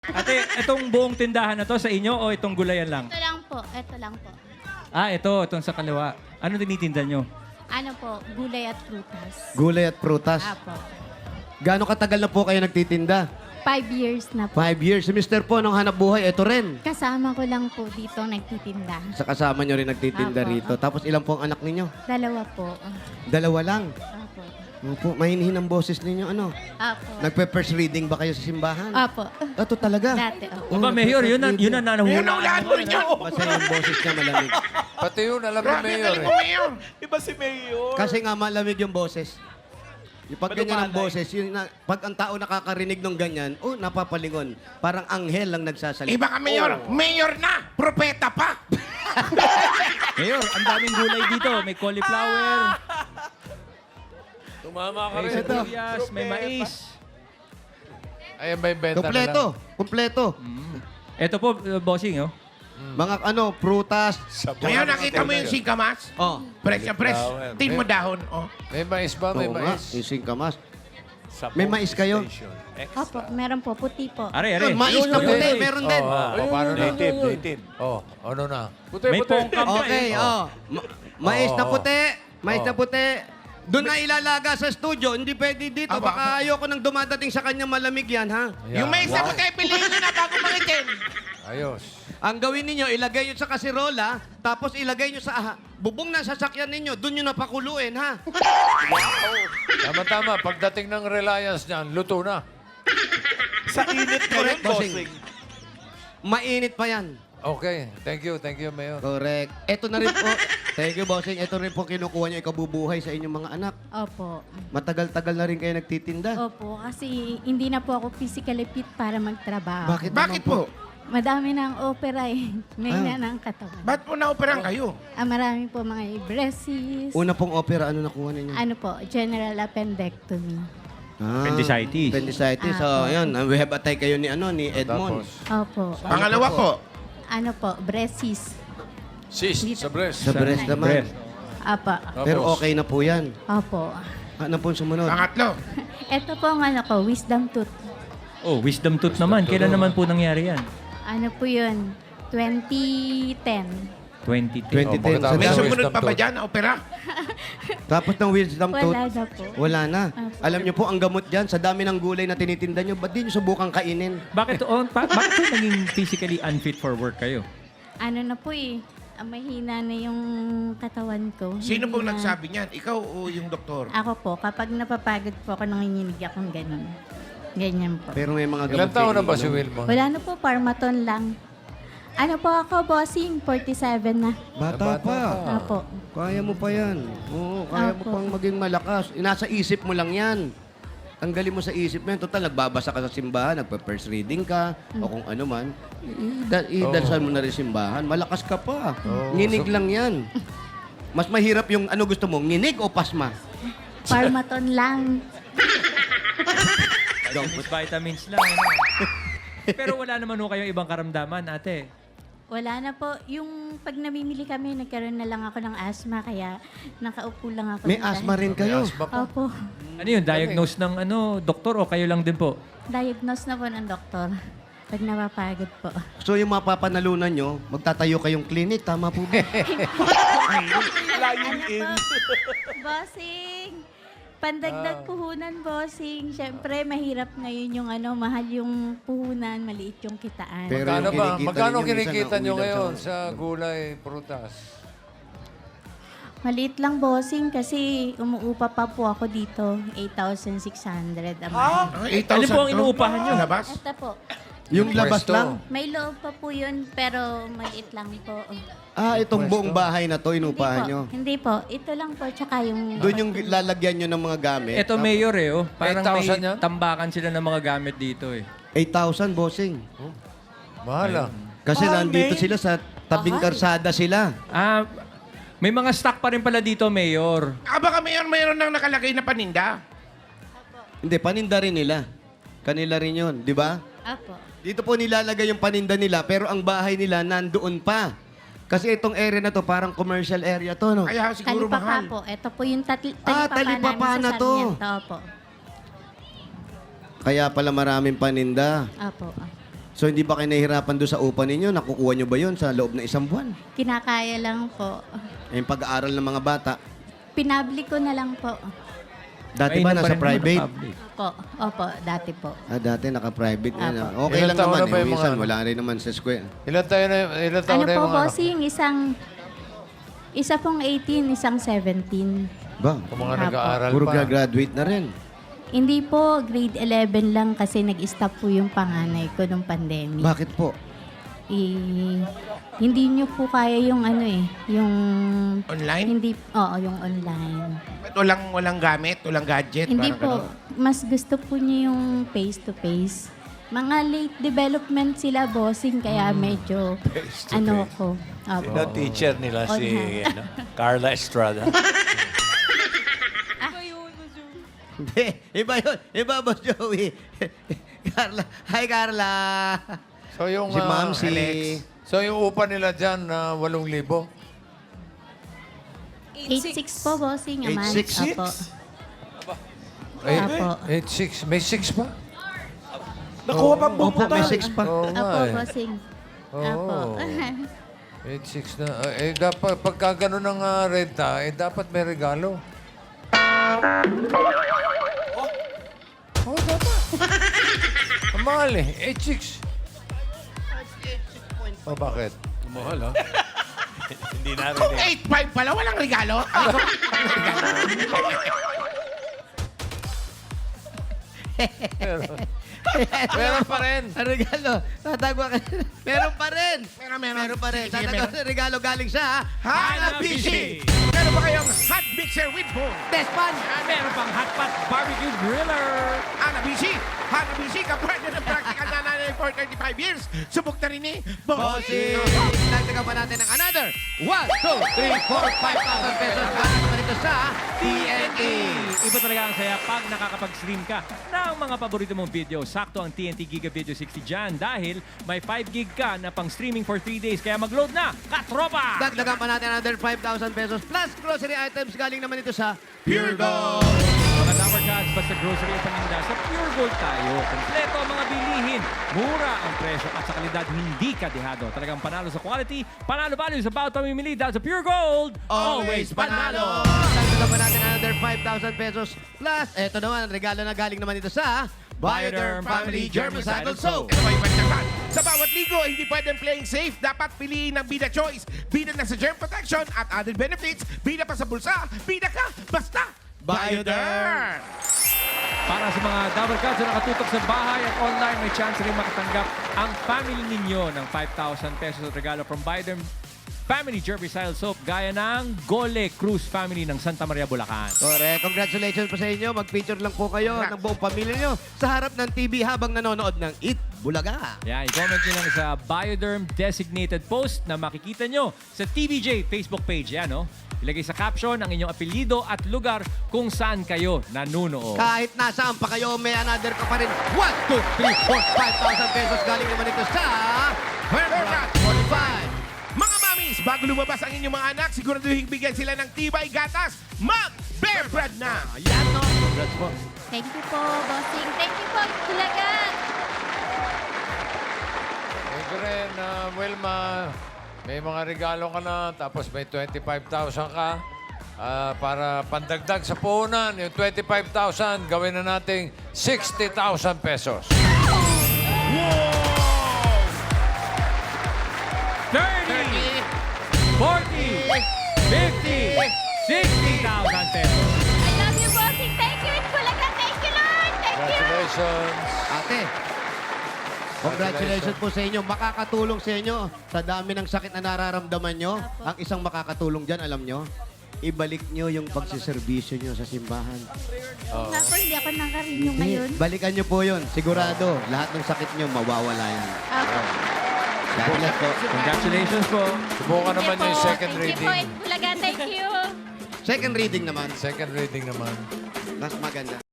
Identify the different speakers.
Speaker 1: Ate, itong buong tindahan na to sa inyo o itong gulayan lang?
Speaker 2: Ito lang po, ito lang po.
Speaker 1: Ah, itong sa kaliwa. Ano tinitinda nyo?
Speaker 2: Ano po, gulay at prutas.
Speaker 3: Gulay at prutas.
Speaker 2: Apo.
Speaker 3: Gaano katagal na po kayo nagtitinda?
Speaker 2: 5 years na po.
Speaker 3: 5 years. Si Mr. po, nung hanap buhay, ito rin.
Speaker 2: Kasama ko lang po dito nagtitinda.
Speaker 3: Sa kasama nyo rin nagtitinda
Speaker 2: Apo,
Speaker 3: rito. Tapos ilan po ang anak ninyo?
Speaker 2: 2 po.
Speaker 3: 2 lang.
Speaker 2: Apo.
Speaker 3: Opo, mahinihin ang boses ninyo. Ano?
Speaker 2: Apo.
Speaker 3: Nagpe-first reading ba kayo sa simbahan?
Speaker 2: Apo.
Speaker 3: Ito talaga?
Speaker 2: Dati, opo.
Speaker 1: Aba, Mayor, yun na
Speaker 4: Yun
Speaker 1: nahuhulaan
Speaker 4: ang ulaan mo rin niyo.
Speaker 3: Kasi yung boses niya malamig.
Speaker 5: Pati yun, alam ni
Speaker 4: Grabe,
Speaker 5: Mayor
Speaker 4: galing
Speaker 5: eh.
Speaker 4: mo, Mayor.
Speaker 6: Iba si Mayor.
Speaker 3: Kasi nga malamig yung boses. Yung pag ganyan ang
Speaker 6: Malumanay.
Speaker 3: boses, yun na, pag ang tao nakakarinig ng ganyan, napapalingon. Parang anghel lang nagsasalita.
Speaker 4: Iba ka, Mayor. Mayor na. Propeta pa.
Speaker 1: Mayor, ang daming gulay dito. May cauliflower,
Speaker 6: Tumama ka
Speaker 1: may
Speaker 6: rin.
Speaker 1: sibuyas, may mais.
Speaker 5: Ayan ba yung benta
Speaker 3: Kompleto.
Speaker 5: na lang?
Speaker 3: Kompleto.
Speaker 1: Ito po, bossing, oh.
Speaker 3: Mga prutas.
Speaker 4: Ngayon, nakita mo yung singkamas?
Speaker 3: Oh.
Speaker 4: Press na press.
Speaker 6: Flower.
Speaker 4: Tin mo dahon. Oh.
Speaker 5: May mais ba? May
Speaker 3: Oo nga,
Speaker 5: mais?
Speaker 3: yung singkamas.
Speaker 6: Sa
Speaker 3: May mais kayo?
Speaker 6: station.
Speaker 2: Opo, meron po, puti po.
Speaker 1: Are.
Speaker 3: Yun, mais na
Speaker 1: Yun,
Speaker 3: puti,
Speaker 1: yun, yun.
Speaker 3: meron din.
Speaker 5: Paano na?
Speaker 6: Native.
Speaker 5: Ano na?
Speaker 1: May pongkam pa
Speaker 3: Okay,
Speaker 1: eh.
Speaker 3: Mais na
Speaker 5: Oo.
Speaker 3: puti. Mais na
Speaker 5: Oo.
Speaker 3: puti. Doon na ilalaga sa studio. Hindi pwede dito.
Speaker 4: Aba,
Speaker 3: Baka ayoko nang dumadating sa kanya malamig yan, ha?
Speaker 5: Ayan.
Speaker 4: Yung may isa ko tayo, piliin nyo na bago mangitin.
Speaker 5: Ayos.
Speaker 3: Ang gawin ninyo, ilagay nyo sa kasirola, tapos ilagay nyo sa bubong ng sasakyan ninyo. Doon nyo napakuluin, ha?
Speaker 5: Tama-tama. Pagdating ng Reliance niyan, luto na.
Speaker 6: Sa init ko rin,
Speaker 3: Bossing.
Speaker 6: bossing.
Speaker 3: Mainit pa yan.
Speaker 5: Okay. Thank you, Mayor.
Speaker 3: Correct. Ito na rin po. Thank you, bossing. Ito rin po kinukuha nyo ikabubuhay sa inyong mga anak.
Speaker 2: Opo.
Speaker 3: Matagal-tagal na rin kayo nagtitinda.
Speaker 2: Opo, kasi hindi na po ako physically fit para magtrabaho.
Speaker 3: Bakit,
Speaker 4: Bakit po?
Speaker 2: Madami ng opera eh. May na ng katawan.
Speaker 4: Ba't po na-operan kayo?
Speaker 2: Marami po mga breasts.
Speaker 3: Una pong opera, ano nakuha ninyo?
Speaker 2: Ano po, general appendectomy.
Speaker 1: Appendicitis.
Speaker 3: Appendicitis. So, yun. We have atay kayo ni Edmond.
Speaker 5: Tapos,
Speaker 2: Opo.
Speaker 4: Pangalawa po.
Speaker 2: Ano po, breast cyst.
Speaker 5: sis, sa breast.
Speaker 3: Sa breast naman.
Speaker 1: Breast.
Speaker 2: Apa.
Speaker 5: Tapos,
Speaker 3: Pero okay na po yan.
Speaker 2: Opo.
Speaker 3: Ano pong sumunod?
Speaker 4: Pangatlo.
Speaker 2: Ito po ang ano ko, wisdom tooth.
Speaker 1: Oh, wisdom tooth naman. Kailan naman po nangyari yan?
Speaker 2: Ano po yun? 2010.
Speaker 1: 2010.
Speaker 3: 2010.
Speaker 5: pagkatapos
Speaker 4: May
Speaker 5: Wisdom
Speaker 4: sumunod pa ba
Speaker 5: tooth.
Speaker 4: dyan na opera?
Speaker 3: Tapos ng wisdom tooth.
Speaker 2: Wala na po.
Speaker 3: Wala na.
Speaker 2: Opo.
Speaker 3: Alam niyo po, ang gamot dyan, sa dami ng gulay na tinitinda niyo, ba't di niyo subukan kainin?
Speaker 1: Bakit bakit po naging physically unfit for work kayo?
Speaker 2: Ano na po eh. Mahina na yung katawan ko.
Speaker 4: Sino
Speaker 2: Hindi
Speaker 4: pong
Speaker 2: na-
Speaker 4: nagsabi niyan? Ikaw o yung doktor?
Speaker 2: Ako po, kapag napapagod po ako, nanginginig akong ganun. Ganyan po.
Speaker 3: Pero may mga gamot
Speaker 5: Ilan taon
Speaker 3: kayo
Speaker 5: na ba si
Speaker 3: iniinom.
Speaker 5: Wilma?
Speaker 2: Wala na po, Parmaton lang. Ano po ako, bossing? 47 na.
Speaker 3: Bata pa.
Speaker 2: Apo.
Speaker 3: Kaya mo pa yan. Oo, kaya mo
Speaker 2: Opo.
Speaker 3: pang maging malakas. Nasa isip mo lang yan. Tanggalin mo sa isip mo yan. Total, nagbabasa ka sa simbahan, nagpa-first reading ka, o kung ano man. Idalsal mo na rin simbahan. Malakas ka pa. Nginig lang yan. Mas mahirap yung ano gusto mo, nginig o pasma?
Speaker 2: Parmaton lang.
Speaker 1: Vitamins, vitamins lang. Ano? Pero wala naman ho kayong ibang karamdaman, ate.
Speaker 2: Wala na po. Yung pag namimili kami, nagkaroon na lang ako ng asthma, kaya nakaupo lang ako.
Speaker 3: May
Speaker 2: dito.
Speaker 3: asthma rin kayo.
Speaker 5: Asma pa.
Speaker 2: Opo.
Speaker 1: Ano yun? Diagnose ng doktor o kayo lang din po?
Speaker 2: Diagnose na po ng doktor. Pag napapagod po.
Speaker 3: So yung mapapanalunan nyo, magtatayo kayong clinic. Tama po ba?
Speaker 6: Lying in.
Speaker 2: Bossing! Pandagdag puhunan, bossing. Siyempre, mahirap ngayon yung mahal yung puhunan, maliit yung kitaan.
Speaker 3: Pero
Speaker 5: Magkano
Speaker 3: yung
Speaker 5: ba?
Speaker 3: kinikita
Speaker 5: Magkano
Speaker 3: ninyo minsan,
Speaker 5: kinikita nyo
Speaker 3: nauulan sa-
Speaker 5: ngayon sa gulay, prutas?
Speaker 2: Maliit lang, bossing, kasi umuupa pa po ako dito. 8,600 a month.
Speaker 4: Ay,
Speaker 1: Ano
Speaker 4: 8,000
Speaker 1: po ang
Speaker 4: to?
Speaker 1: inuupahan nyo?
Speaker 4: Labas?
Speaker 2: Ito po.
Speaker 3: Yung labas
Speaker 5: Pwesto.
Speaker 3: lang?
Speaker 2: May loob pa po yun, pero maliit lang po.
Speaker 3: Itong buong bahay na to,
Speaker 2: Hindi
Speaker 3: inupahan
Speaker 2: po.
Speaker 3: nyo.
Speaker 2: Hindi po. Ito lang po, tsaka yung...
Speaker 3: Doon yung lalagyan nyo ng mga gamit.
Speaker 1: Ito, Mayor eh. Oh. Parang
Speaker 5: 8,000
Speaker 1: may
Speaker 5: yan?
Speaker 1: tambakan sila ng mga gamit dito eh.
Speaker 3: 8,000, bossing.
Speaker 5: Mahal ah.
Speaker 3: Kasi
Speaker 6: Mahal,
Speaker 3: nandito
Speaker 6: May.
Speaker 3: sila sa tabing karsada sila.
Speaker 1: Ah, may mga stock pa rin pala dito, Mayor.
Speaker 4: Baka mayroon nang nakalagay na paninda.
Speaker 3: Hindi, paninda rin nila. Kanila rin yun, di ba?
Speaker 2: Apo.
Speaker 3: Dito po nilalagay yung paninda nila, pero ang bahay nila nandoon pa. Kasi itong area na to, parang commercial area to, no?
Speaker 4: Kaya siguro
Speaker 2: Talipapa
Speaker 4: mahal.
Speaker 2: po. Ito po yung
Speaker 3: Talipapa
Speaker 2: talipapa namin
Speaker 3: na
Speaker 2: sa
Speaker 3: to.
Speaker 2: Sarmiento. Opo.
Speaker 3: Kaya pala maraming paninda.
Speaker 2: Opo.
Speaker 3: So hindi ba kayo nahihirapan doon sa upa ninyo? Nakukuha nyo ba yun sa loob ng isang buwan?
Speaker 2: Kinakaya lang po.
Speaker 3: Yung pag-aaral ng mga bata.
Speaker 2: Pinablik ko na lang po.
Speaker 3: Dati ba
Speaker 1: Mainam pa
Speaker 3: nasa
Speaker 1: rin naman
Speaker 3: private?
Speaker 1: ang public.
Speaker 2: Opo, dati po.
Speaker 3: Dati naka-private na.
Speaker 2: Apo.
Speaker 3: Okay
Speaker 5: Ilang
Speaker 3: lang
Speaker 5: taon
Speaker 3: naman.
Speaker 5: na ba yung
Speaker 3: Minsan
Speaker 5: mga-
Speaker 3: wala rin naman sa school.
Speaker 5: Ilan taon na
Speaker 2: Ano
Speaker 5: yung
Speaker 2: po,
Speaker 5: mga anak?
Speaker 2: bossing? Isa pong 18, isang 17.
Speaker 3: Ba?
Speaker 5: Kung mga
Speaker 2: Apo.
Speaker 5: nag-aaral
Speaker 3: Puro
Speaker 5: pa.
Speaker 3: graduate na rin.
Speaker 2: Hindi po, grade 11 lang kasi nag-stop po yung panganay ko nung pandemic.
Speaker 3: Bakit po?
Speaker 2: Hindi nyo po kaya yung yung...
Speaker 4: Online?
Speaker 2: Hindi, oo, yung online.
Speaker 4: Ba't walang gamit, walang gadget?
Speaker 2: Hindi
Speaker 4: parang
Speaker 2: po, mas gusto po niya yung face-to-face. Mga late development sila, bossing, kaya medyo, ko. Opo.
Speaker 6: Sino teacher nila si Carla Estrada?
Speaker 3: Hindi. Iba yun. Iba, Boss Joey. Carla. Hi, Carla.
Speaker 5: So yung,
Speaker 3: Si Ma'am, si...
Speaker 5: So yung upa nila dyan, 8,000.
Speaker 2: 8-6 po, bossing. A month.
Speaker 3: 8-6?
Speaker 2: Apo.
Speaker 5: Eh,
Speaker 2: Apo.
Speaker 5: 8,600. May 6 pa?
Speaker 6: Nakuha pa po
Speaker 3: Opo, may 6 pa.
Speaker 5: Oo nga
Speaker 2: Apo,
Speaker 5: eh.
Speaker 2: bossing.
Speaker 5: Oo.
Speaker 2: Apo.
Speaker 5: 8,600 na. Dapat, pagka gano'n ng renta, dapat may regalo. Oh, dapat. Ang mahal eh. 8,600. Oh, bakit?
Speaker 6: Mahal, ha? Hindi namin eh.
Speaker 4: 8.5 pala, walang regalo?
Speaker 5: Meron pa rin.
Speaker 3: Ang regalo. Tatagwa ka. Meron pa rin. Meron pa rin.
Speaker 4: Sige,
Speaker 3: Tatagwa
Speaker 4: meron.
Speaker 3: ng regalo galing sa
Speaker 4: Hanabishi! Meron ba kayong hot mixer with bowl?
Speaker 3: Best Pan.
Speaker 1: Meron pang hotpot barbecue griller.
Speaker 4: Hanabishi! Hanabishi, kapwede ng practical na nanay for 35 years. Subok na rin eh.
Speaker 3: Bossing. Dagdagan pa natin ng another 1, 2, 3, 4, 5,000 pesos. Galing naman ito sa TNT.
Speaker 1: Iba talaga ang saya pag nakakapag-stream ka ng mga paborito mong video. Sakto ang TNT Giga Video 60 dyan dahil may 5 gig ka na pang streaming for 3 days. Kaya mag-load na, katropa!
Speaker 3: Dagdagan pa natin another 5,000 pesos plus grocery items. Galing naman ito sa Pure Gold.
Speaker 1: Mga Dapper Cats, basta grocery at paninda, sa Pure Gold tayo. Kompleto ang mga bilihin. Mura ang presyo at sa kalidad hindi ka dehado. Talagang panalo sa quality, panalo value sa bawat pamimili dahil sa Pure Gold, always panalo!
Speaker 3: Dagdagan pa natin another 5,000 pesos plus eto naman, regalo na galing naman ito sa Bioderm Family Germicidal Soap.
Speaker 4: Ito ay pagdagan. Sa bawat ligo, hindi pwedeng playing safe. Dapat piliin ng Bida Choice. Bida na sa germ protection at added benefits. Bida pa sa bulsa. Bida ka, basta Bioderm!
Speaker 1: Para sa mga Dapper Cats na nakatutok sa bahay at online, may chance rin makatanggap ang family ninyo ng 5,000 pesos at regalo from Bioderm Family Germicidal Soap gaya ng Gole Cruz Family ng Santa Maria, Bulacan.
Speaker 3: Correct. Congratulations po sa inyo. Mag-feature lang po kayo ng buong pamilya nyo sa harap ng TV habang nanonood ng Eat Bulaga.
Speaker 1: Yan, i-comment nyo lang sa Bioderm designated post na makikita nyo sa TVJ Facebook page. Yan, no? Ilagay sa caption ang inyong apelyido at lugar kung saan kayo nanunood.
Speaker 3: Kahit nasaan pa kayo, may another ka pa rin. 1, 2, 3, 4, 5,000 pesos galing naman ito sa Herbrat 45.
Speaker 4: Mga mamis, bago lumabas ang inyong mga anak, siguraduhin bigyan sila ng tibay gatas. Mag-Bear Brand na!
Speaker 3: Ayan, no? Congrats po.
Speaker 2: Thank you po, bossing. Thank you po, Tulagan.
Speaker 5: Thank you rin, Wilma. May mga regalo ka na, tapos may 25,000 ka. Para pandagdag sa puhunan, yung 25,000, gawin na nating 60,000 pesos.
Speaker 1: 30, 40, 50, 60,000 pesos.
Speaker 2: I love you, bossing. Thank you, Tulagan. Thank you, Lord. Thank you.
Speaker 5: Congratulations.
Speaker 3: Ate, congratulations po sa inyo. Makakatulong sa inyo sa dami ng sakit na nararamdaman nyo. Ang isang makakatulong dyan, alam nyo, ibalik nyo yung pagsiservisyo nyo sa simbahan.
Speaker 2: Nga po, hindi ako nakarinyo ngayon.
Speaker 3: Balikan nyo po yun. Sigurado, lahat ng sakit nyo mawawala yan.
Speaker 2: Apo.
Speaker 3: God bless po.
Speaker 1: Congratulations po.
Speaker 5: Subukan naman
Speaker 2: Thank you
Speaker 5: yung
Speaker 2: po.
Speaker 5: second
Speaker 2: Thank you po,
Speaker 5: reading.
Speaker 2: Tulagan. Thank you.
Speaker 3: Second reading naman,
Speaker 5: Second reading naman.
Speaker 3: mas maganda.